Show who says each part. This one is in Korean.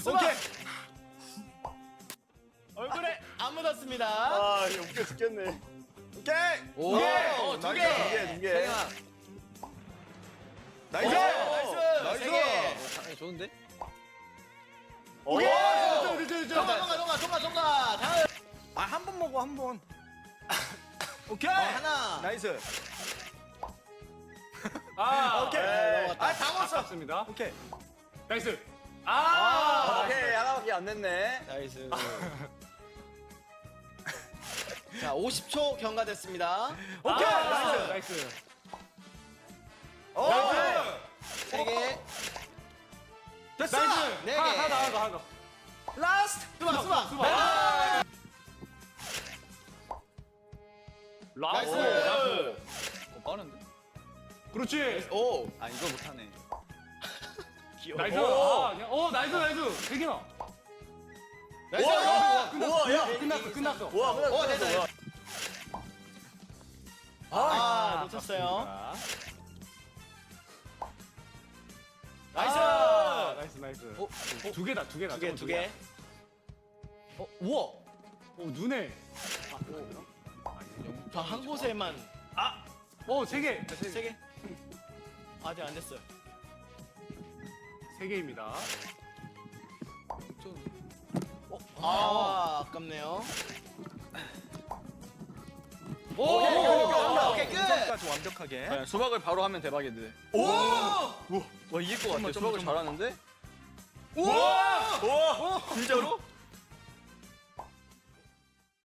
Speaker 1: 오케이. 얼굴에 안 묻었습니다.
Speaker 2: 아, 이거 웃겨 죽겠네. 오케이.
Speaker 3: 오,
Speaker 1: 두 개.
Speaker 2: 두 개. 나이스.
Speaker 1: 나이스. 세 개.
Speaker 3: 당연히 좋은데?
Speaker 2: 오케이.
Speaker 1: 통과. 다음.
Speaker 2: 아, 한 번 먹어, 한 번. 오케이.
Speaker 1: 하나.
Speaker 2: 나이스.
Speaker 4: 오케이.
Speaker 2: 아, 다 먹었어.
Speaker 4: 맞습니다.
Speaker 2: 오케이.
Speaker 4: 나이스.
Speaker 2: 오케이, 하나밖에 안 냈네.
Speaker 1: 나이스. 자, 50초 경과됐습니다.
Speaker 2: 오케이.
Speaker 4: 나이스.
Speaker 2: 오.
Speaker 1: 세 개.
Speaker 2: 됐어.
Speaker 1: 네 개.
Speaker 4: 하나 더.
Speaker 2: 라스트.
Speaker 1: 수박.
Speaker 4: 라스.
Speaker 1: 나이스.
Speaker 3: 빠른데?
Speaker 4: 그렇지.
Speaker 1: 오.
Speaker 3: 아, 이거 못하네.
Speaker 4: 나이스. 나이스. 대기나.
Speaker 1: 나이스.
Speaker 2: 우와, 야.
Speaker 4: 끝났어.
Speaker 2: 우와,
Speaker 1: 오,
Speaker 2: 됐다.
Speaker 1: 됐다. 아, 놓쳤어요. 나이스.
Speaker 4: 나이스. 두 개다.
Speaker 1: 두 개.
Speaker 3: 우와!
Speaker 4: 눈에.
Speaker 1: 저 한 곳에만
Speaker 4: 세 개.
Speaker 1: 세 개. 아직 안 됐어요.
Speaker 4: 세 개입니다.
Speaker 1: 아, 아깝네요.
Speaker 2: 오케이,
Speaker 1: 끝.
Speaker 2: 끝까지 완벽하게.
Speaker 3: 네, 수박을 바로 하면 대박인데.
Speaker 2: 오!
Speaker 3: 와, 이길 것 같아. 수박을 잘하는데?
Speaker 2: 우와! 진짜로?